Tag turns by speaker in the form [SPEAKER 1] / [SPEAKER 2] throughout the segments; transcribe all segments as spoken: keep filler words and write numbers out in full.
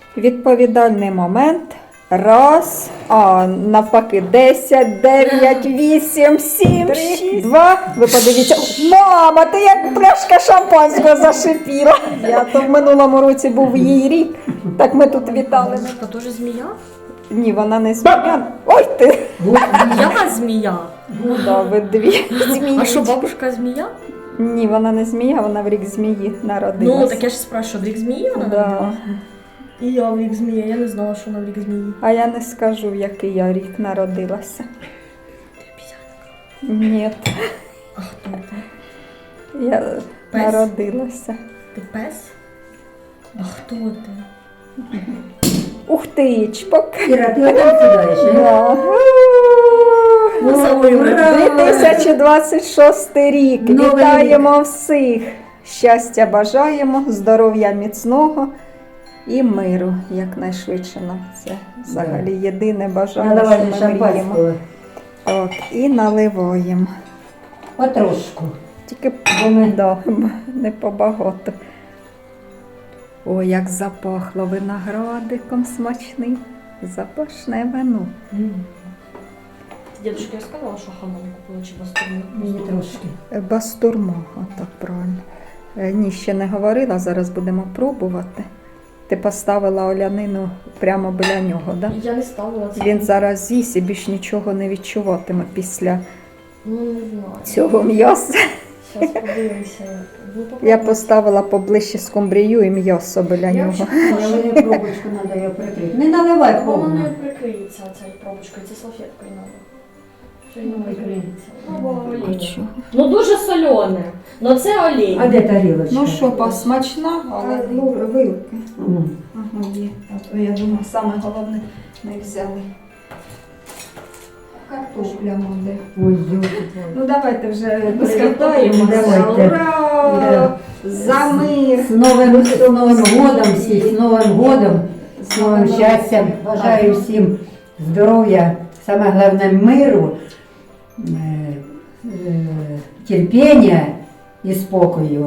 [SPEAKER 1] Відповідальний момент. Раз, а навпаки, десять, дев'ять, вісім, сім, шість, два. Ви подивіться, мама, ти як пляшка шампанського зашипіла. Я то в минулому році був її рік, так ми тут вітали.
[SPEAKER 2] Це теж змія?
[SPEAKER 1] Ні, вона не змія. Ой ти!
[SPEAKER 2] Я змія.
[SPEAKER 1] Ну да, ви дві змії.
[SPEAKER 2] А що, бабушка змія?
[SPEAKER 1] Ні, вона не змія, вона в рік змії народилась.
[SPEAKER 2] Ну, так я ж спрашиваю, в рік змії вона
[SPEAKER 1] Да.
[SPEAKER 2] народилась? І я в рік змії, я не знала, що вона в рік змії.
[SPEAKER 1] А я не скажу, в який я рік народилася. Ні,
[SPEAKER 2] А хто ти?
[SPEAKER 1] я
[SPEAKER 2] Пес?
[SPEAKER 1] народилася.
[SPEAKER 2] Ти пес? А хто ти?
[SPEAKER 1] Ух ти, чпок.
[SPEAKER 3] Іра, ти опять сідаєш, а?
[SPEAKER 1] Да. дві тисячі двадцять шостий рік.
[SPEAKER 3] Новий
[SPEAKER 1] Вітаємо всіх. Щастя бажаємо, здоров'я міцного і миру якнайшвидше нам. Це взагалі єдине бажання,
[SPEAKER 3] Наливай
[SPEAKER 1] що ми мріємо.
[SPEAKER 3] шампанського.
[SPEAKER 1] Так, і наливаємо.
[SPEAKER 3] Потрошку.
[SPEAKER 1] Тільки
[SPEAKER 3] Бо ми-
[SPEAKER 1] да, не побагато. О, як запахло виноградиком смачним. Запашне вино.
[SPEAKER 2] Дідушка, я сказала, що хамон купила чи бастурму?
[SPEAKER 3] Мені трошки.
[SPEAKER 1] Е, Бастурма, так правильно. Е, Ні, ще не говорила, зараз будемо пробувати. Ти поставила олянину прямо біля нього, так? Да?
[SPEAKER 2] Я не ставила це.
[SPEAKER 1] Він зараз з'їсть і більш нічого не відчуватиме після
[SPEAKER 2] Ну, не знаю.
[SPEAKER 1] цього м'яса.
[SPEAKER 2] Зараз подивимося. Ну,
[SPEAKER 1] Я
[SPEAKER 2] попробуй.
[SPEAKER 1] поставила поближче скумбрію і м'ясо біля
[SPEAKER 2] Я
[SPEAKER 1] нього.
[SPEAKER 2] взагалі
[SPEAKER 3] Але мені пробочку треба його прикрити. Не наливай
[SPEAKER 2] Воно
[SPEAKER 3] повно.
[SPEAKER 2] не прикриється цією пробочкою, це салфеткою треба. Що й не
[SPEAKER 3] Ну,
[SPEAKER 2] прикриється.
[SPEAKER 3] ну,
[SPEAKER 2] Ну, бо олійне.
[SPEAKER 1] Нічого.
[SPEAKER 2] Ну дуже солене. Ну це
[SPEAKER 3] А
[SPEAKER 2] олій.
[SPEAKER 3] де тарілочка?
[SPEAKER 1] Ну що, посмачна, але ну, вилки.
[SPEAKER 3] М.
[SPEAKER 1] Ага, є. А то я думаю, саме головне не взяли. Картопля буде.
[SPEAKER 3] Ой, йо.
[SPEAKER 1] Ну давайте вже
[SPEAKER 2] Скатаємося.
[SPEAKER 3] Давайте.
[SPEAKER 1] Ура! За мир!
[SPEAKER 3] З Новим, з Новим годом всіх, з Новим годом, з новим щастям. Бажаю всім здоров'я, саме головне миру, е, е, терпіння і спокою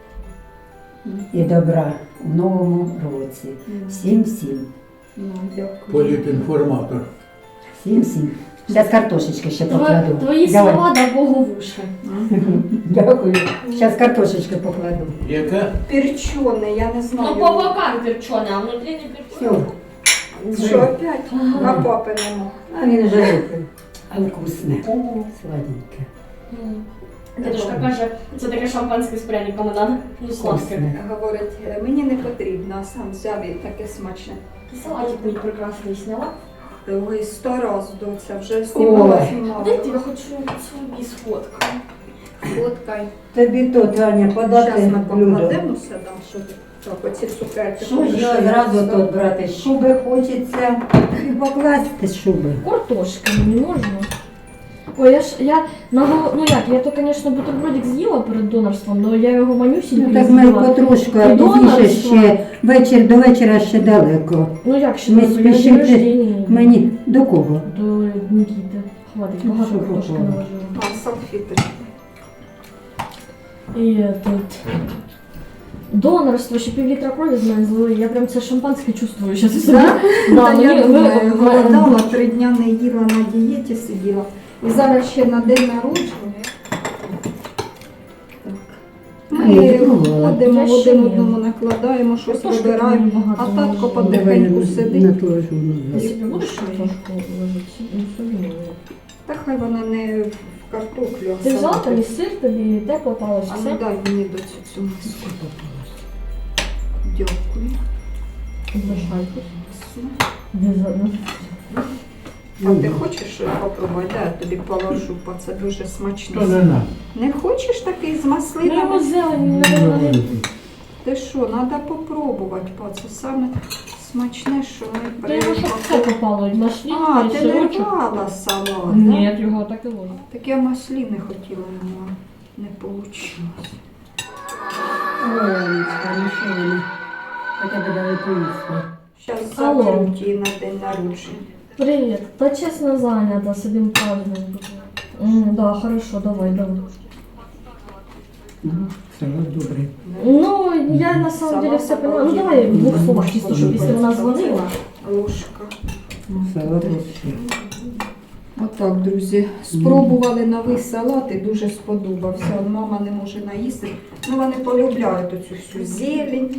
[SPEAKER 3] і добра в новому році. Всім всім.
[SPEAKER 1] Ну, дякую.
[SPEAKER 4] Політінформатор.
[SPEAKER 3] Всім всім. Зараз картошечки ще
[SPEAKER 2] Тво-
[SPEAKER 3] покладу.
[SPEAKER 2] Твої
[SPEAKER 3] Давай.
[SPEAKER 2] слова да Богу в уші.
[SPEAKER 3] Дякую. Зараз картошечки покладу.
[SPEAKER 4] Яка?
[SPEAKER 1] Перчене, я не
[SPEAKER 2] Ну
[SPEAKER 1] знаю.
[SPEAKER 2] по бокам перчене, а внутрі не перчене.
[SPEAKER 3] Все.
[SPEAKER 1] Що опять? А папи нема.
[SPEAKER 3] А він вже випив. А вкусне. Сладеньке.
[SPEAKER 2] Дідушка каже, це таке шампанське з пряниками надо. Ну сладке.
[SPEAKER 3] Вкусне.
[SPEAKER 1] Говорить, мені не потрібно, а сам взяв і таке смачне.
[SPEAKER 2] І салатик мій прекрасний сняла.
[SPEAKER 1] Ой, сто раз, доця, вже знімала,
[SPEAKER 3] Ой.
[SPEAKER 1] знімала.
[SPEAKER 2] Дайте я хочу собі сфоткати.
[SPEAKER 1] Фоткай.
[SPEAKER 3] Тобі то, Таня, подати
[SPEAKER 1] Зараз ми
[SPEAKER 3] блюдо.
[SPEAKER 1] покладемо все там, щоб так, оці цукерки.
[SPEAKER 3] Що ж я одразу тут брати? Шуби хочеться і покласти шуби.
[SPEAKER 2] Картошки мені можна? Ой, я ж, я, на, гол- ну як, я то, звісно, бутербродик з'їла перед донорством, але я його манюсінький
[SPEAKER 3] Ну так ми
[SPEAKER 2] з'їла.
[SPEAKER 3] потрошку, а
[SPEAKER 2] І
[SPEAKER 3] пізніше
[SPEAKER 2] донорство.
[SPEAKER 3] ще вечір до вечора ще далеко.
[SPEAKER 2] Ну як ще,
[SPEAKER 3] Ми
[SPEAKER 2] не день
[SPEAKER 3] спішити.
[SPEAKER 2] рождения.
[SPEAKER 3] Мені до кого?
[SPEAKER 2] До Нікіти. Хватить,
[SPEAKER 3] Ну,
[SPEAKER 2] багато
[SPEAKER 3] що
[SPEAKER 2] картошки
[SPEAKER 3] попало?
[SPEAKER 2] наложила.
[SPEAKER 1] А, салфеточки.
[SPEAKER 2] І тут донорство, ще пів літра крові з мене злили. Я прям це шампанське чувствую зараз.
[SPEAKER 1] Да?
[SPEAKER 2] Да,
[SPEAKER 1] Та
[SPEAKER 2] мені-
[SPEAKER 1] я
[SPEAKER 2] ви-
[SPEAKER 1] думаю,
[SPEAKER 2] ви-
[SPEAKER 1] голодала, три дня не їла, на дієті сиділа. І зараз ще на день народження. Ми
[SPEAKER 3] Ай, пробувала.
[SPEAKER 1] ходимо,
[SPEAKER 2] Я ще
[SPEAKER 1] один
[SPEAKER 2] ні.
[SPEAKER 1] одному накладаємо, щось
[SPEAKER 2] Картошки
[SPEAKER 1] вибираємо,
[SPEAKER 2] там
[SPEAKER 1] а
[SPEAKER 2] багато
[SPEAKER 1] татко
[SPEAKER 2] наложила.
[SPEAKER 1] потихеньку сидить.
[SPEAKER 3] Наложу.
[SPEAKER 2] Ти собі будеш картошку ложити? Ну, собі не ложу.
[SPEAKER 1] Та хай вона не в картоплю, а
[SPEAKER 2] Ти взяла
[SPEAKER 1] сама.
[SPEAKER 2] там і сир, тобі те попалось,
[SPEAKER 1] А
[SPEAKER 2] все?
[SPEAKER 1] ну дай мені до цю цю миску. Дякую.
[SPEAKER 2] Залишайте. Де за-
[SPEAKER 1] А ти хочеш попробувати? Да, я тобі положу, бо це дуже смачно.
[SPEAKER 4] То не на.
[SPEAKER 1] Не хочеш такий з
[SPEAKER 2] Ну, його
[SPEAKER 1] маслинами?
[SPEAKER 2] зелень, наверное, не...
[SPEAKER 1] Ти що, треба попробувати, па, це саме смачне, що ми
[SPEAKER 2] Ти його щоб все
[SPEAKER 1] при...
[SPEAKER 2] попало, і маслінка,
[SPEAKER 1] А,
[SPEAKER 2] і
[SPEAKER 1] ти не
[SPEAKER 2] сирочок.
[SPEAKER 1] рвала салат,
[SPEAKER 2] Ні, його так і ложу.
[SPEAKER 1] да? Так я масліни хотіла, але не вийшло.
[SPEAKER 3] Ой, хорошо. Хоча б дали поїсти.
[SPEAKER 1] Зараз
[SPEAKER 2] Алло.
[SPEAKER 1] заберуть її на день народження.
[SPEAKER 2] Привет. Та честно занята, с одним праздником. М, да, хорошо, давай, давай.
[SPEAKER 3] Мгм. Салат добрий.
[SPEAKER 2] Ну, я на самом деле все поняла. Ну давай в двох словах, чисто, щоб якщо вона дзвонила.
[SPEAKER 1] Ложка.
[SPEAKER 3] Салат вообще.
[SPEAKER 1] Отак, друзі, спробували новий салат і дуже сподобався. От мама не може наїсти. Ну, вони полюбляють оцю всю зелень.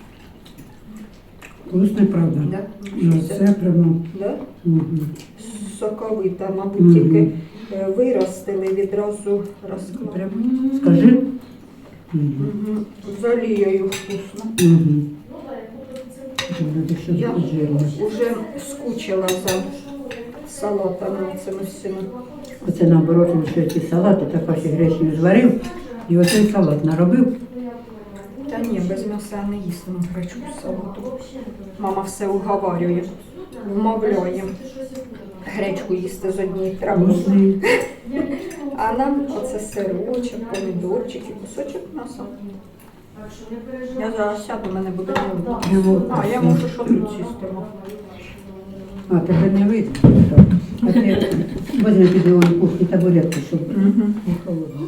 [SPEAKER 3] Вкусний, правда.
[SPEAKER 1] Да?
[SPEAKER 3] Ну, це прямо.
[SPEAKER 1] Да?
[SPEAKER 3] Угу.
[SPEAKER 1] Соковита, мабуть,
[SPEAKER 3] Мгм.
[SPEAKER 1] тільки е, виростили, відразу розклали.
[SPEAKER 3] Скажи. Угу.
[SPEAKER 1] Угу. З олією вкусно.
[SPEAKER 3] Угу. Буде ще
[SPEAKER 1] Я
[SPEAKER 3] жирно.
[SPEAKER 1] вже скучила за салатами цими всіми.
[SPEAKER 3] Оце наоборот, він ще ці салати, так ваші гречні зварив, і оцей салат наробив.
[SPEAKER 1] Та ні, без м'яса я не їстиму гречку салату. Мама все уговарює, вмовляє гречку їсти з однієї трави.
[SPEAKER 3] Вкусний.
[SPEAKER 1] А нам оце сирочок, помідорчик і кусочок м'яса. Я зараз сяду, мене буде не видно. А, я можу що тут сісти.
[SPEAKER 3] А, тебе не видно. Так. А ти возьми під його кухні табуретку, щоб
[SPEAKER 1] Угу.
[SPEAKER 3] не холодно.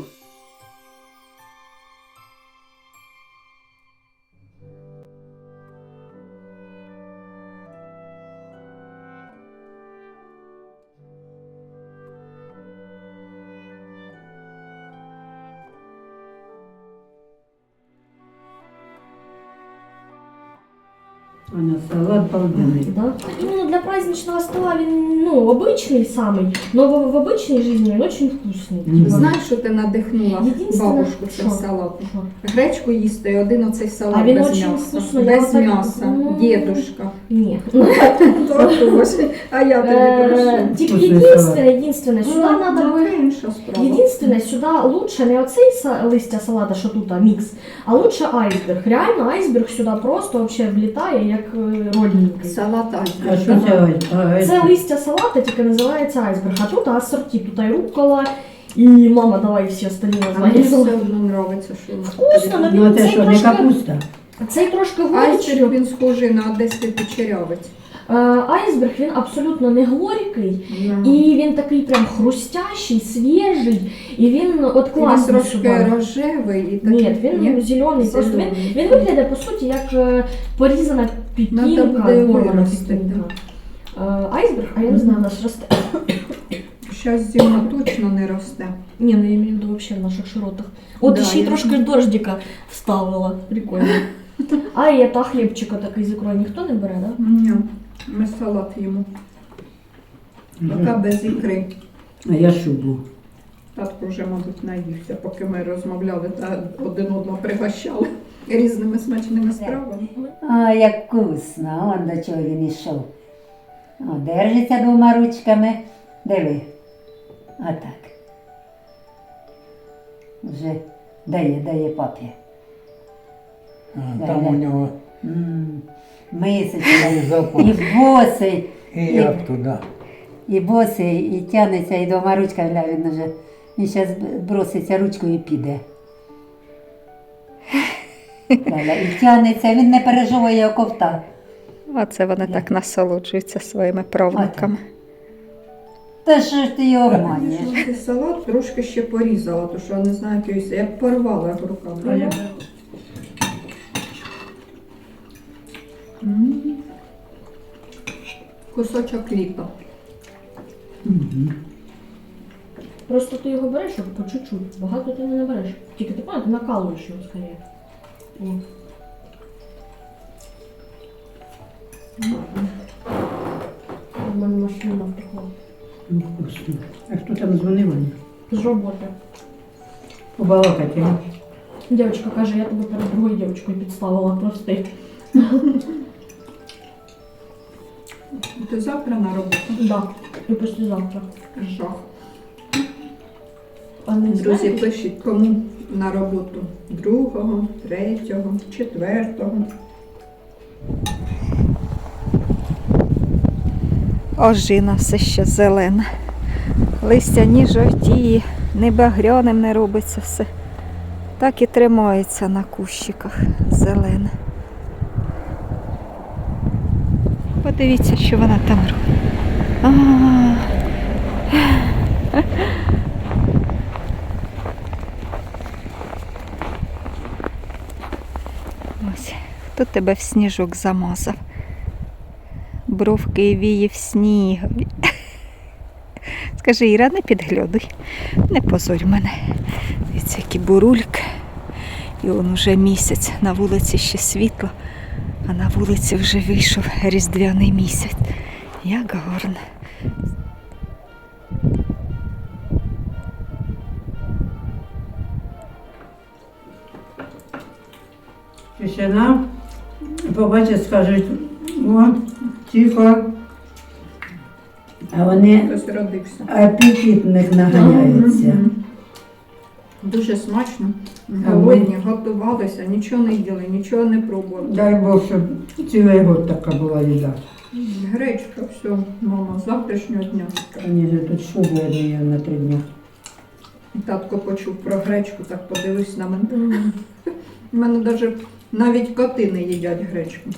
[SPEAKER 3] Аня, салат балденный.
[SPEAKER 2] Да. Именно для праздничного стола він, ну, обычный самый, но в, в обычной жизни он очень вкусный.
[SPEAKER 3] Мгм.
[SPEAKER 2] Типа,
[SPEAKER 1] Знаєш, що ти надихнула
[SPEAKER 2] Єдинственне,
[SPEAKER 1] бабушку цим
[SPEAKER 2] що?
[SPEAKER 1] салатом?
[SPEAKER 2] що?
[SPEAKER 1] Гречку їсти і один оцей салат
[SPEAKER 2] А він
[SPEAKER 1] без
[SPEAKER 2] очень
[SPEAKER 1] м'яса.
[SPEAKER 2] вкусний, я
[SPEAKER 1] Без
[SPEAKER 2] отак-
[SPEAKER 1] м'яса.
[SPEAKER 2] Ну.
[SPEAKER 1] Дедушка.
[SPEAKER 2] Ні.
[SPEAKER 1] Тортуш. А я тобі
[SPEAKER 2] Э,
[SPEAKER 1] прошу.
[SPEAKER 2] Тільки
[SPEAKER 3] Вкусний
[SPEAKER 2] единственное, единственное, сюди
[SPEAKER 1] Ну,
[SPEAKER 2] надо
[SPEAKER 1] ну,
[SPEAKER 2] би...
[SPEAKER 1] інша справа.
[SPEAKER 2] Єдинственне, сюди лучше не оцей са- листя салата, що тут, а мікс, а лучше айсберг. Реально айсберг сюди просто вообще влітає як е, родненький.
[SPEAKER 1] Салат
[SPEAKER 3] А
[SPEAKER 1] айсберг.
[SPEAKER 3] що це? А,
[SPEAKER 2] Це
[SPEAKER 3] это-
[SPEAKER 2] листя салата тільки називається айсберг, а тут асорті, тут і руккола, і мама, давай всі остальні
[SPEAKER 1] А мені все
[SPEAKER 2] названня.
[SPEAKER 1] одно подобається, що воно
[SPEAKER 2] Вкусно,
[SPEAKER 1] таке.
[SPEAKER 2] ну,
[SPEAKER 3] Ну, це
[SPEAKER 2] цей
[SPEAKER 3] що, не
[SPEAKER 2] трошки-
[SPEAKER 3] капуста?
[SPEAKER 2] Цей трошки
[SPEAKER 1] Айсберг,
[SPEAKER 2] горечий.
[SPEAKER 1] він схожий на одеський печерявець.
[SPEAKER 2] Е, Айсберг, він абсолютно не горький,
[SPEAKER 1] І
[SPEAKER 2] і він такий прям хрустящий, свіжий, і він от
[SPEAKER 1] він
[SPEAKER 2] класний
[SPEAKER 1] трошки
[SPEAKER 2] сюди.
[SPEAKER 1] рожевий і такий.
[SPEAKER 2] Ні, він зелений, просто він, він виглядає по суті як е, порізана
[SPEAKER 1] Надо
[SPEAKER 2] пікінка,
[SPEAKER 1] буде
[SPEAKER 2] порвана
[SPEAKER 1] виростити,
[SPEAKER 2] пікінка. Е, Айсберг, а я не знаю, у нас росте.
[SPEAKER 1] Зараз зима точно не росте.
[SPEAKER 2] Ні, ну я имею в виду вообще в наших широтах. От
[SPEAKER 1] Да,
[SPEAKER 2] ще й
[SPEAKER 1] я
[SPEAKER 2] трошки
[SPEAKER 1] знаю.
[SPEAKER 2] дождика вставила. Прикольно. А і та хлібчика такий з ікрою ніхто не бере, да?
[SPEAKER 1] Ні, ми салат їмо. Поки без ікри.
[SPEAKER 3] А я шубу.
[SPEAKER 1] Татко вже, мабуть, наївся, поки ми розмовляли та один одного пригощали різними смачними стравами.
[SPEAKER 3] А, як вкусно, он до чого він ішов. О, держиться двома ручками. Диви. Отак. Вже дає, дає папі.
[SPEAKER 4] А, там у нього
[SPEAKER 3] М, Мисочка.
[SPEAKER 4] і запах,
[SPEAKER 3] І босий,
[SPEAKER 4] і як туди.
[SPEAKER 3] і босий, і тягнеться, і двома ручками, гля, він вже. Він зараз броситься ручкою і піде. Ляля, і тягнеться, він не пережовує його ковта.
[SPEAKER 1] Оце вони так насолоджуються своїми правнуками.
[SPEAKER 3] Та що ж ти його обманюєш?
[SPEAKER 1] Цей салат трошки ще порізала, тому що я не знаю, якийсь, як порвала як руками. М. Кусочок літа.
[SPEAKER 3] Мгм.
[SPEAKER 2] Просто ти його береш як по чуть-чуть. Багато ти не набереш. Тільки ти пам'ятаєш, ти накалуєш його скоріше. О. У мене машина втекла.
[SPEAKER 3] Ну, вкусно. А хто там дзвонив? Аня?
[SPEAKER 2] З роботи.
[SPEAKER 3] Побалакати. а?
[SPEAKER 2] Дівчинка каже, я тебе перед другою дівчинкою підставила, прости.
[SPEAKER 1] Ти завтра на роботу?
[SPEAKER 2] Да, і післязавтра.
[SPEAKER 1] Жах.
[SPEAKER 2] А не
[SPEAKER 1] Друзі,
[SPEAKER 2] знаєш?
[SPEAKER 1] пишіть, кому на роботу другого, третього, четвертого. Ожина все ще зелена. Листя ні жовтіє, ні багряним не робиться все. Так і тримається на кущиках зелене. Подивіться, що вона там робить. А. Хто тебе в сніжок замазав? Бровки і вії в снігові. Скажи, Іра, не підглядуй, не позорь мене. Дивіться, які бурульки. І он уже місяць, на вулиці ще світло, а на вулиці вже вийшов різдвяний місяць. Як гарно.
[SPEAKER 3] Тишина, побачать, скажуть, о, тихо. А вони
[SPEAKER 1] Хтось родився.
[SPEAKER 3] апетит в них наганяється.
[SPEAKER 1] Мгм. Дуже смачно. Голодні, готувалися, нічого не їли, нічого не пробували.
[SPEAKER 3] Дай Бог, щоб цілий год така була їда.
[SPEAKER 1] Гречка, все, мама, з завтрашнього дня.
[SPEAKER 3] Вони ж тут шубу однією на три дні.
[SPEAKER 1] Татко почув про гречку, так подивився на мене. У мене навіть, навіть коти не їдять гречку.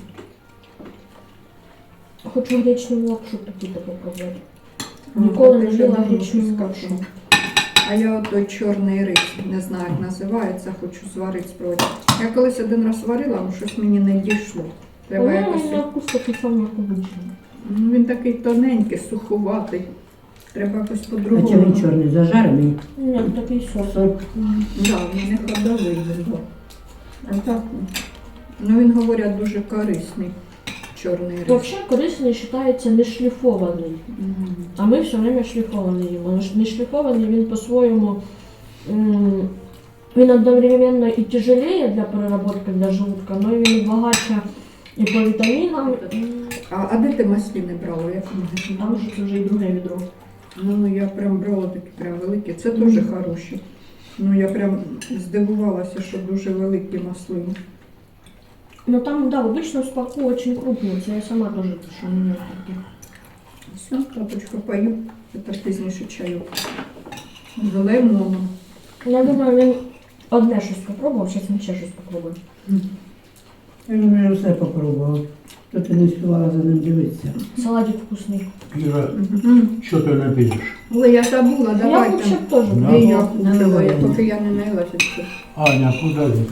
[SPEAKER 2] Хочу гречну лапшу таку попробувати. Ніколи не їла гречну лапшу.
[SPEAKER 1] А я от той чорний рис, не знаю, як називається, хочу зварити спробувати. Я колись один раз варила, але щось мені не дійшло. Треба
[SPEAKER 2] Вона
[SPEAKER 1] якось...
[SPEAKER 2] на вкус такий самий, як обичний.
[SPEAKER 1] Ну, він такий тоненький, суховатий. Треба якось
[SPEAKER 3] А
[SPEAKER 1] по-другому.
[SPEAKER 3] чи він чорний, зажарений?
[SPEAKER 2] Ні, такий сорт.
[SPEAKER 3] Сорт.
[SPEAKER 1] Да, він не ходовий він був. А так, ну він, говорять, дуже корисний чорний рис.
[SPEAKER 2] Взагалі корисний вважається не шліфований.
[SPEAKER 1] Мгм.
[SPEAKER 2] А ми все время шліфований їмо. Не шліфований він по-своєму, м, він одновременно і тяжелее для переработки для желудка, але він багатше і по вітамінам. і
[SPEAKER 1] А, а де ти масліни брала? Як в магазині?
[SPEAKER 2] Там вже це вже і друге відро.
[SPEAKER 1] Ну, ну, я прям брала такі прям великі. Це теж хороші. Ну, я прям здивувалася, що дуже великі маслини.
[SPEAKER 2] Ну там, да, обычно спаку очень крупный, це я сама тоже пишу, у меня такі.
[SPEAKER 1] Все, тапочку пою. Це пізніше чаю. З лимоном.
[SPEAKER 2] Я думаю, він одне щось попробував, зараз він ще щось попробує.
[SPEAKER 3] Я вже все попробував. Тут і не співала за ним дивитися.
[SPEAKER 2] Салатик вкусний.
[SPEAKER 4] Іра,
[SPEAKER 1] Мгм.
[SPEAKER 4] що ти не підеш?
[SPEAKER 1] Ой, я забула,
[SPEAKER 2] Я
[SPEAKER 1] давайте.
[SPEAKER 2] вообще теж.
[SPEAKER 4] Да.
[SPEAKER 1] І я
[SPEAKER 3] Не
[SPEAKER 1] купила, я-
[SPEAKER 3] наливай.
[SPEAKER 1] поки я не наїлася. ще.
[SPEAKER 4] Аня, куди ти?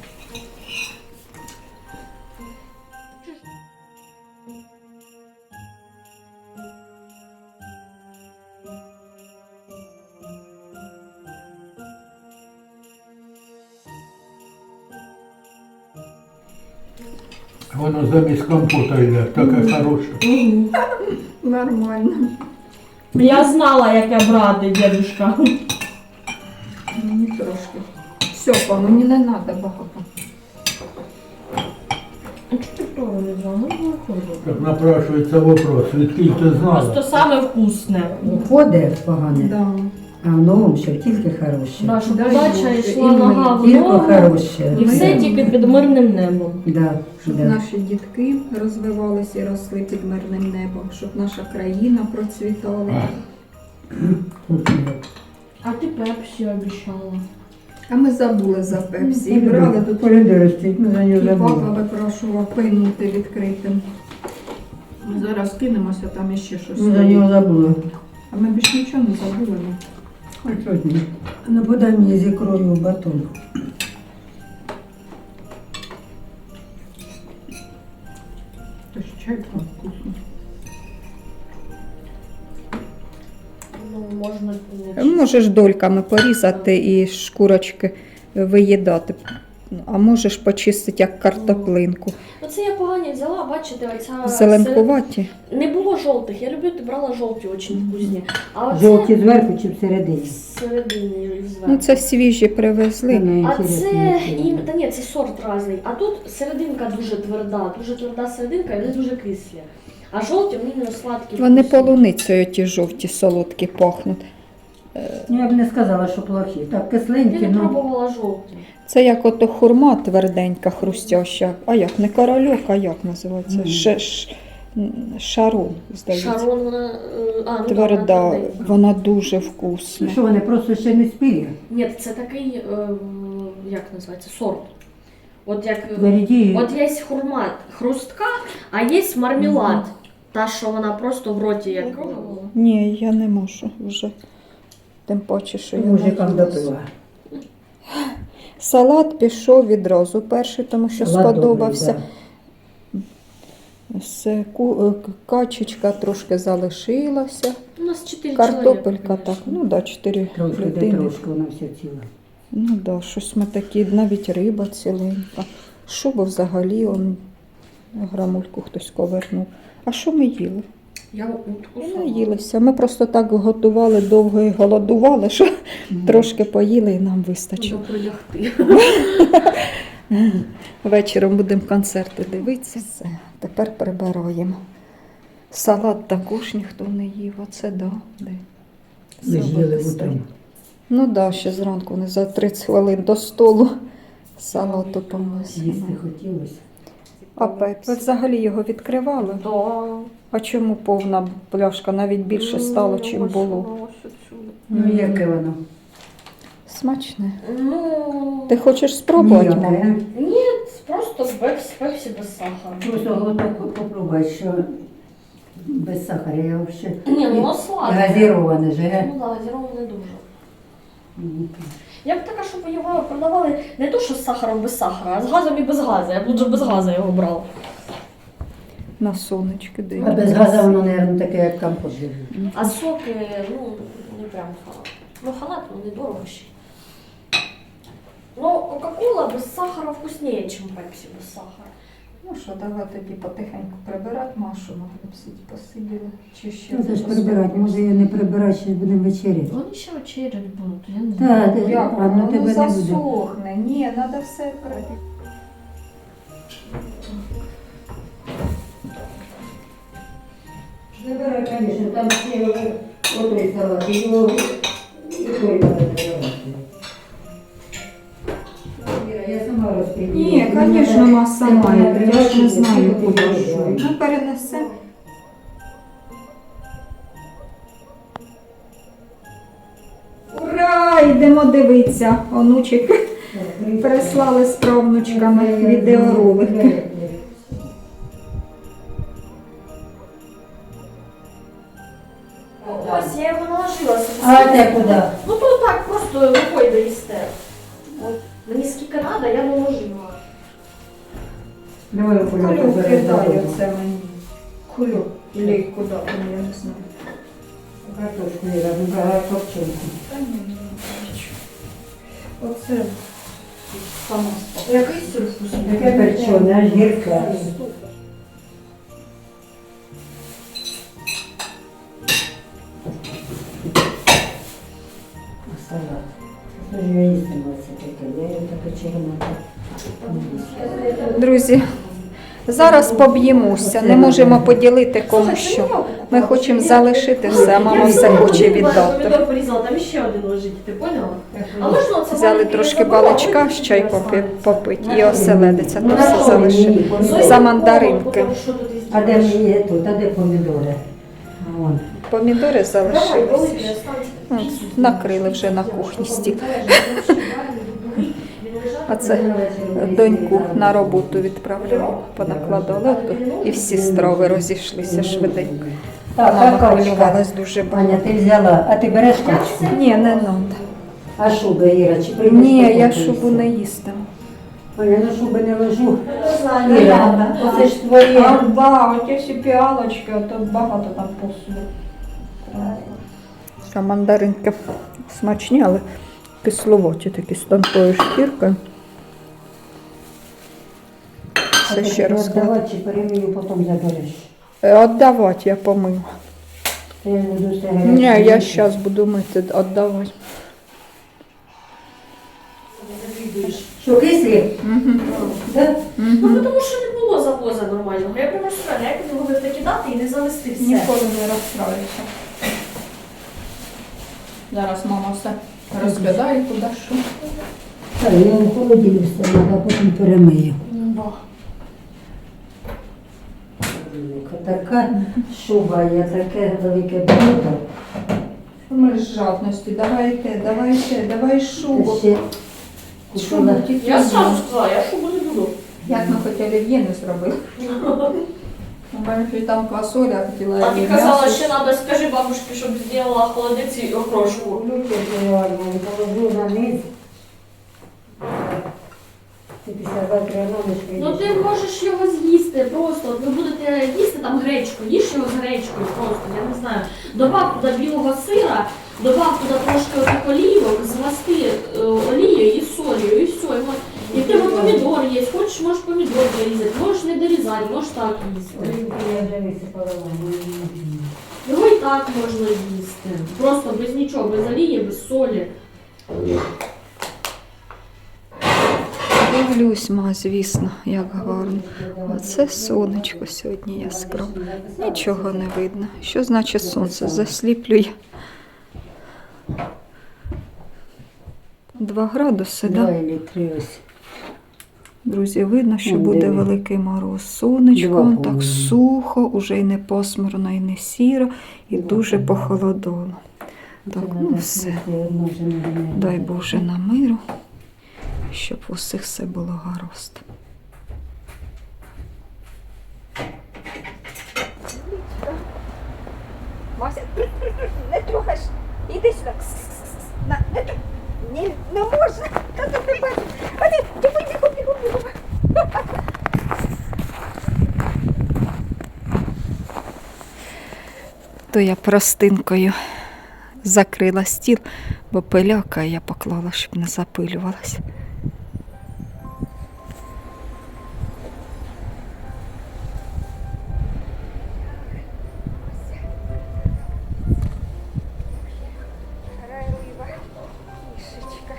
[SPEAKER 4] Воно замість компота йде, таке хороше.
[SPEAKER 2] Угу.
[SPEAKER 1] Нормально.
[SPEAKER 2] Я знала, яке брати, дедушка.
[SPEAKER 1] Мені трошки. Все, па, мені не треба багато.
[SPEAKER 2] А чого ти того не взяла? Ну, не виходить.
[SPEAKER 4] Так напрашується вопрос, відкіль ти знала?
[SPEAKER 2] Просто саме вкусне.
[SPEAKER 3] Уходить погане,
[SPEAKER 1] Да.
[SPEAKER 3] а в новому ще тільки хороше.
[SPEAKER 2] Да, щоб
[SPEAKER 1] Дай
[SPEAKER 2] удача
[SPEAKER 1] Боже,
[SPEAKER 2] йшла
[SPEAKER 1] і
[SPEAKER 2] нога в
[SPEAKER 3] Тільки
[SPEAKER 2] ногу.
[SPEAKER 3] хороше.
[SPEAKER 2] І все тільки під мирним небом.
[SPEAKER 3] Да,
[SPEAKER 1] Щоб
[SPEAKER 3] да.
[SPEAKER 1] наші дітки розвивалися і росли під мирним небом, щоб наша країна процвітала.
[SPEAKER 3] Вкусно.
[SPEAKER 2] А ти пепсі обіцяла.
[SPEAKER 1] А ми забули за пепсі. І брали тут
[SPEAKER 3] Полюди ростуть, ми за нього
[SPEAKER 1] і папа
[SPEAKER 3] забули.
[SPEAKER 1] випрошував пийнути відкритим. Ми зараз кинемося, там іще щось.
[SPEAKER 3] Ми за нього забули.
[SPEAKER 1] А ми більш нічого не забули. ну.
[SPEAKER 3] Хоч одні. Ну, подай мені з ікрою в батон.
[SPEAKER 1] Тож чай там вкусно.
[SPEAKER 2] Ну, можна не
[SPEAKER 1] Можеш дольками порізати і шкурочки виїдати. А можеш почистити як картоплинку.
[SPEAKER 2] Оце я погані взяла, бачите, оця...
[SPEAKER 1] Зеленкуваті.
[SPEAKER 2] Не було жовтих, я люблю, ти брала жовті, дуже вкусні. А оце
[SPEAKER 3] Жовті зверху чи всередині?
[SPEAKER 2] всередині і зверху.
[SPEAKER 1] Ну це свіжі привезли.
[SPEAKER 3] Не
[SPEAKER 2] А
[SPEAKER 3] інтересно,
[SPEAKER 2] це,
[SPEAKER 3] нічого.
[SPEAKER 2] і, та ні, це сорт різний. А тут серединка дуже тверда, дуже тверда серединка і вони дуже кислі. А жовті, вони не сладкі.
[SPEAKER 1] Вони
[SPEAKER 2] вкусні.
[SPEAKER 1] полуницею ті жовті солодкі пахнуть.
[SPEAKER 3] Ну, я б не сказала, що плохі. Так,
[SPEAKER 2] Я
[SPEAKER 3] кисленькі,
[SPEAKER 2] не
[SPEAKER 3] ну.
[SPEAKER 2] пробувала жовті.
[SPEAKER 1] Це як ото хурма тверденька, хрустяща. А як? Не корольок, а як називається?
[SPEAKER 3] Мгм.
[SPEAKER 1] Ш, ш, шарон, здається.
[SPEAKER 2] Шарон, вона... е, А, ну,
[SPEAKER 1] Тверда,
[SPEAKER 2] да, вона тверденька.
[SPEAKER 1] вона дуже вкусна.
[SPEAKER 3] Що вони просто ще не спілі?
[SPEAKER 2] Ні, це такий, е, як називається, сорт. От як... е,
[SPEAKER 3] Впереді.
[SPEAKER 2] От є хурма хрустка, а є мармелад. Та, що вона просто в роті як...
[SPEAKER 1] Ні, я не можу вже. Тим паче, що я
[SPEAKER 3] Мужикам
[SPEAKER 1] наїлася.
[SPEAKER 3] допила.
[SPEAKER 1] Салат пішов відразу перший, тому що
[SPEAKER 3] Салат
[SPEAKER 1] сподобався.
[SPEAKER 3] добрий,
[SPEAKER 1] Все, ку- е, качечка трошки залишилася.
[SPEAKER 2] У нас чотири
[SPEAKER 1] Картопелька
[SPEAKER 2] чоловіка,
[SPEAKER 1] так,
[SPEAKER 2] конечно.
[SPEAKER 1] ну да, чотири
[SPEAKER 3] Трошки, де
[SPEAKER 1] людини.
[SPEAKER 3] трошки, воно все ціле.
[SPEAKER 1] Ну да, щось ми такі, навіть риба ціленька. Шубу взагалі он грамульку хтось ковернув. А що ми їли?
[SPEAKER 2] Я утку
[SPEAKER 1] Ми
[SPEAKER 2] сама.
[SPEAKER 1] наїлися. Ми просто так готували довго і голодували, що трошки поїли і нам вистачило.
[SPEAKER 2] Треба прилягти.
[SPEAKER 1] Вечором будемо концерти дивитися. Все, тепер прибираємо. Салат також ніхто не їв, оце да. Де?
[SPEAKER 3] Ми ж їли
[SPEAKER 1] Салат
[SPEAKER 3] утром.
[SPEAKER 1] Ну так, да, ще зранку не за тридцять хвилин до столу салату помисимо.
[SPEAKER 3] Їсти хотілося.
[SPEAKER 1] А пепсі? Ви взагалі його відкривали?
[SPEAKER 2] Да.
[SPEAKER 1] А чому повна пляшка? Навіть більше стало, чим
[SPEAKER 2] Ось
[SPEAKER 1] було.
[SPEAKER 2] воно, ось отсюди.
[SPEAKER 3] Ну, яке воно?
[SPEAKER 1] Смачне.
[SPEAKER 2] Ну,
[SPEAKER 1] Ти хочеш спробувати,
[SPEAKER 3] Ніяке,
[SPEAKER 1] мама?
[SPEAKER 3] а?
[SPEAKER 2] ні, просто пепсі, пепсі без сахара.
[SPEAKER 3] Просто глоток попробуй, що без сахара. Я взагалі
[SPEAKER 2] Ні, ну воно сладке.
[SPEAKER 3] газіроване же, ге?
[SPEAKER 2] Ну да, газіроване дуже. Я б така, щоб його продавали не то, що з сахаром без сахара, а з газом і без газу. Я б лучше без газу його брала.
[SPEAKER 1] На сонечки
[SPEAKER 3] А
[SPEAKER 1] дивимося.
[SPEAKER 3] без газу воно, мабуть, таке, як компот.
[SPEAKER 2] А соки, ну, не прям халат. Ну, халат, ну, недорого ще. Ну, Кока-Кола без сахара вкусніше, ніж пепсі без сахара.
[SPEAKER 1] Ну що, давай тоді потихеньку прибирати Машу, могли б сидіти, посиділи. Чи ще
[SPEAKER 3] Ну, це ж прибирати, може я не прибирати, ще будемо вечеряти.
[SPEAKER 2] Вони ще вечерять будуть, я не
[SPEAKER 3] Так,
[SPEAKER 2] знаю.
[SPEAKER 3] ти-
[SPEAKER 1] Як
[SPEAKER 3] а, ну,
[SPEAKER 1] воно
[SPEAKER 3] тебе не буде.
[SPEAKER 1] засохне? Ні, треба все прибирати.
[SPEAKER 3] Прибирай, звісно, там ще отой салат, і його і той треба прибирати. Іра, я сама розподілю.
[SPEAKER 1] Ні, звісно, маса має. Я ж не знаю, куди що. Ну, перенесемо. Ура! Йдемо дивитися. Онучик прислали з правнучками відеоролики.
[SPEAKER 2] Ось, я його наложила собі.
[SPEAKER 3] А те куди?
[SPEAKER 2] Ну, то так, просто рукою доїсте. От, мені скільки треба, я наложила.
[SPEAKER 3] Давай окуляр
[SPEAKER 1] Кулю
[SPEAKER 3] заберемо.
[SPEAKER 1] кидає це мені. Кулю. Или куди, там, я не знаю.
[SPEAKER 3] Картошку Іра, вибрала копчинку.
[SPEAKER 1] Та ні, не бачу. Оце сама спала.
[SPEAKER 2] Який сир вкусний.
[SPEAKER 3] Таке перчене, аж гірке. А салат. Що ж я їстиму це таке? Я його таке червоне.
[SPEAKER 1] Друзі, зараз поб'ємося, не можемо поділити кому що. Ми хочемо залишити все, а мама все хоче віддати.
[SPEAKER 2] Помідор порізала, там ще один лежить, ти поняла? А можна оце
[SPEAKER 1] Взяли
[SPEAKER 2] маленький
[SPEAKER 1] трошки
[SPEAKER 2] забрала,
[SPEAKER 1] баличка з
[SPEAKER 2] потім
[SPEAKER 1] чайком
[SPEAKER 2] ще
[SPEAKER 1] попити і оселедиця, то
[SPEAKER 3] Ну,
[SPEAKER 1] все
[SPEAKER 3] а що
[SPEAKER 1] залишили.
[SPEAKER 3] мені?
[SPEAKER 2] Зоя,
[SPEAKER 1] За мандаринки.
[SPEAKER 2] потім що тут із
[SPEAKER 3] А де мені є тут? А де помідори? А вон.
[SPEAKER 1] Помідори
[SPEAKER 2] Давай,
[SPEAKER 1] залишилися.
[SPEAKER 2] великий, останься.
[SPEAKER 1] От, накрили вже на кухні стіл. А це доньку на роботу відправляю, понакладали ото, і всі страви розійшлися швиденько.
[SPEAKER 3] Так,
[SPEAKER 1] Мама
[SPEAKER 3] а качка?
[SPEAKER 1] хвилювалась дуже
[SPEAKER 3] Аня,
[SPEAKER 1] багато.
[SPEAKER 3] ти взяла, а ти береш качку?
[SPEAKER 1] Ні, не треба.
[SPEAKER 3] А шуби, Іра, чи принести?
[SPEAKER 1] Ні, я
[SPEAKER 3] купити?
[SPEAKER 1] шубу не їстиму.
[SPEAKER 3] Аня, на шуби не ложу.
[SPEAKER 2] Не знаю,
[SPEAKER 3] Іра, оце ж твоє.
[SPEAKER 1] А, да, оті всі піалочки, а то багато там посуду. А мандаринки смачні, але кисловаті такі з тонкою шкіркою.
[SPEAKER 3] А
[SPEAKER 1] Це
[SPEAKER 3] ти
[SPEAKER 1] ще раз.
[SPEAKER 3] віддавати чи перемію, потім забереш?
[SPEAKER 1] Віддавати я помию.
[SPEAKER 3] Я не буду все
[SPEAKER 1] Ні, я
[SPEAKER 3] гаряче.
[SPEAKER 1] зараз буду мити, віддавати.
[SPEAKER 3] Що, кислі?
[SPEAKER 1] Угу.
[SPEAKER 3] Да?
[SPEAKER 2] Ну, тому що не було завоза нормального. Я прямо розстріляю, як не могли кидати і не завести все.
[SPEAKER 1] Ніколи не розправлюся. Зараз мама все розглядає, куди що.
[SPEAKER 3] Так, я в холодильник все, а потім перемию.
[SPEAKER 2] Да.
[SPEAKER 3] Така шуба, є таке велике блюдо.
[SPEAKER 1] Ми з жадності, давайте, давайте, давай шубу.
[SPEAKER 3] Та ще
[SPEAKER 1] Шубу
[SPEAKER 3] купила.
[SPEAKER 1] тільки.
[SPEAKER 2] Я сразу сказала, я шубу не буду.
[SPEAKER 1] Як ми хоч олів'є не зробили. У мене ж і там квасоля, а хотіла
[SPEAKER 2] А ти
[SPEAKER 1] і
[SPEAKER 2] казала,
[SPEAKER 1] м'ясо.
[SPEAKER 2] що треба, скажи бабушці, щоб зробила холодець і окрошку.
[SPEAKER 3] Люблю реально, положу на низ. Ти після завтра раночки.
[SPEAKER 2] Ну ти можеш його з'їсти просто. От ви будете гречку, їж його з гречкою просто, я не знаю. Добав туди білого сира, добав туди трошки отих олівок, змасти е, олією і солью, і все. І, от, і в тебе помідор є, хочеш, можеш помідор дорізати, можеш не дорізати, можеш так їсти.
[SPEAKER 3] Я вже висипала вам.
[SPEAKER 2] Його і так можна їсти. Просто без нічого, без олії, без солі.
[SPEAKER 1] Дивлюсь, ма, звісно, як гарно. Оце сонечко сьогодні яскраве. Нічого не видно. Що значить сонце? Засліплює. Два градуси,
[SPEAKER 3] Два
[SPEAKER 1] так?
[SPEAKER 3] или три ось.
[SPEAKER 1] Друзі, видно, що
[SPEAKER 3] Ну,
[SPEAKER 1] буде
[SPEAKER 3] диви.
[SPEAKER 1] великий мороз. Сонечко,
[SPEAKER 3] Два,
[SPEAKER 1] так
[SPEAKER 3] по-моєму.
[SPEAKER 1] сухо, уже й не пасмурно, і не сіро, і дуже похолодало. Так,
[SPEAKER 3] Це
[SPEAKER 1] ну
[SPEAKER 3] надо
[SPEAKER 1] все.
[SPEAKER 3] снести одну вже не знаю.
[SPEAKER 1] Дай Боже на миру, щоб у всіх все було гаразд.
[SPEAKER 5] Мася, не трогаш. Іди сюди. На, не, тр- не, не можна. Та ти не бачиш. А ти, тихо, тихо, тихо, тихо.
[SPEAKER 1] То я простинкою закрила стіл, бо пиляка я поклала, щоб не запилювалась.
[SPEAKER 5] Райлива кішечка.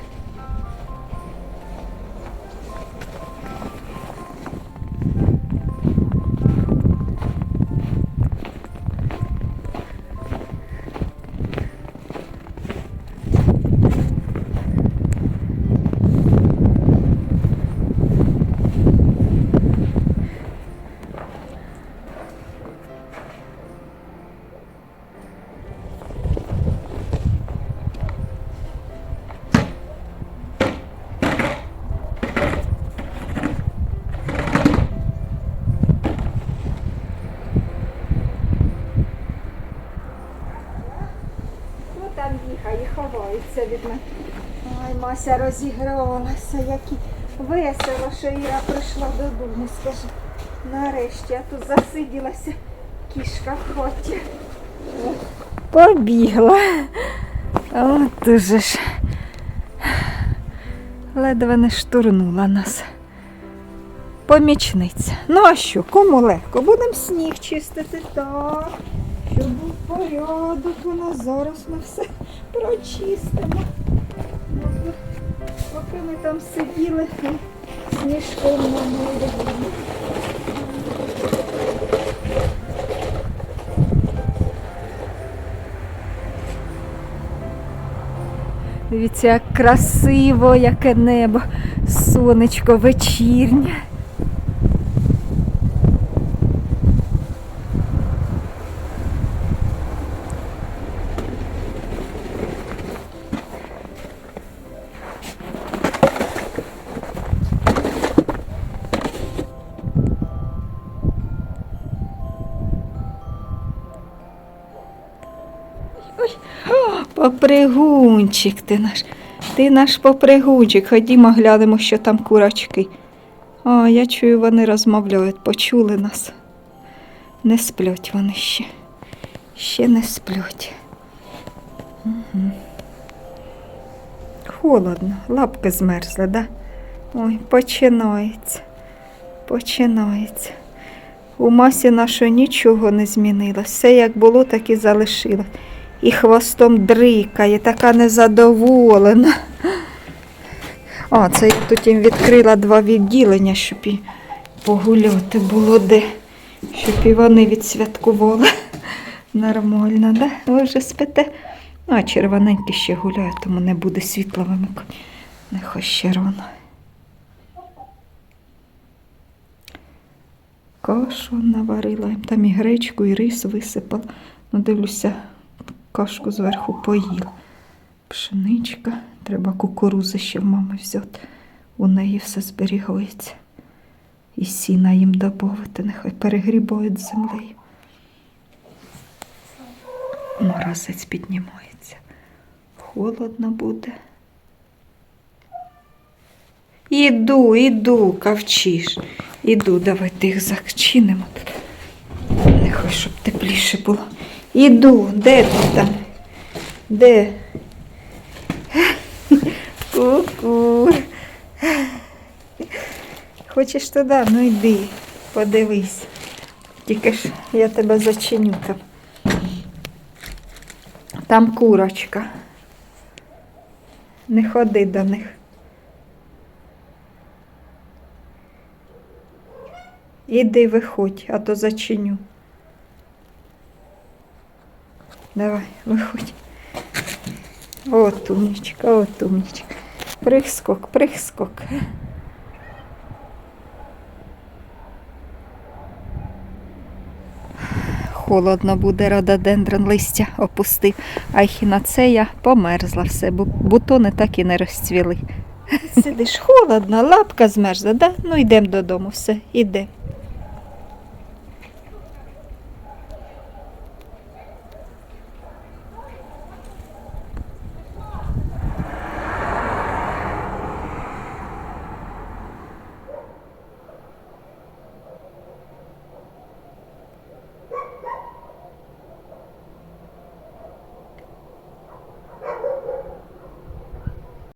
[SPEAKER 5] Ну там бігає, ховається від мене. Ой, Мася розігралася, які весело, що Іра прийшла додому, скажи. Нарешті, я тут засиділася, кішка в хаті.
[SPEAKER 1] Побігла. От уже ж. Ледве не штурнула нас. Помічниця. Ну а що, кому легко? Будемо сніг чистити. Так, щоб був порядок у нас. Зараз ми все прочистимо.
[SPEAKER 5] Ну, поки ми там сиділи, і сніжком намили.
[SPEAKER 1] Дивіться, як красиво, яке небо, сонечко вечірнє. Попригунчик ти наш. Ти наш попригунчик. Ходімо, глянемо, що там курочки. О, я чую, вони розмовляють. Почули нас. Не сплять вони ще. Ще не сплять. Угу. Холодно. Лапки змерзли, да? Ой, починається. Починається. У Масі нашої нічого не змінилось. Все як було, так і залишилось. І хвостом дрикає, така незадоволена. О, це я тут їм відкрила два відділення, щоб і погуляти було де. Щоб і вони відсвяткували. Нормально, да? Ви вже спите? Ну, а червоненькі ще гуляють, тому не буде світла вимикати. Нехай ще рано. Кашу наварила їм, там і гречку, і рис висипала. Ну, дивлюся, кашку зверху поїла. Пшеничка. Треба кукурузи ще в мами взяти. У неї все зберігається. І сіна їм добавити, нехай перегрібають з землею. Морозець піднімається. Холодно буде. Іду, іду, кавчиш. Іду, давайте їх зачинимо тут. Не хочу, щоб тепліше було. Іду, де ти там? Де? Ку-ку. Хочеш туди? Ну йди, подивись. Тільки ж я тебе зачиню там. Там курочка. Не ходи до них. Іди, виходь, а то зачиню. Давай, виходь. От умничка, от умничка. Прихскок, прихскок. Холодно буде, рододендрон листя опустив, а ехінацея померзла все, бо бутони так і не розцвіли. Сидиш холодно, лапка змерзла, да? Ну йдемо додому, все, іде.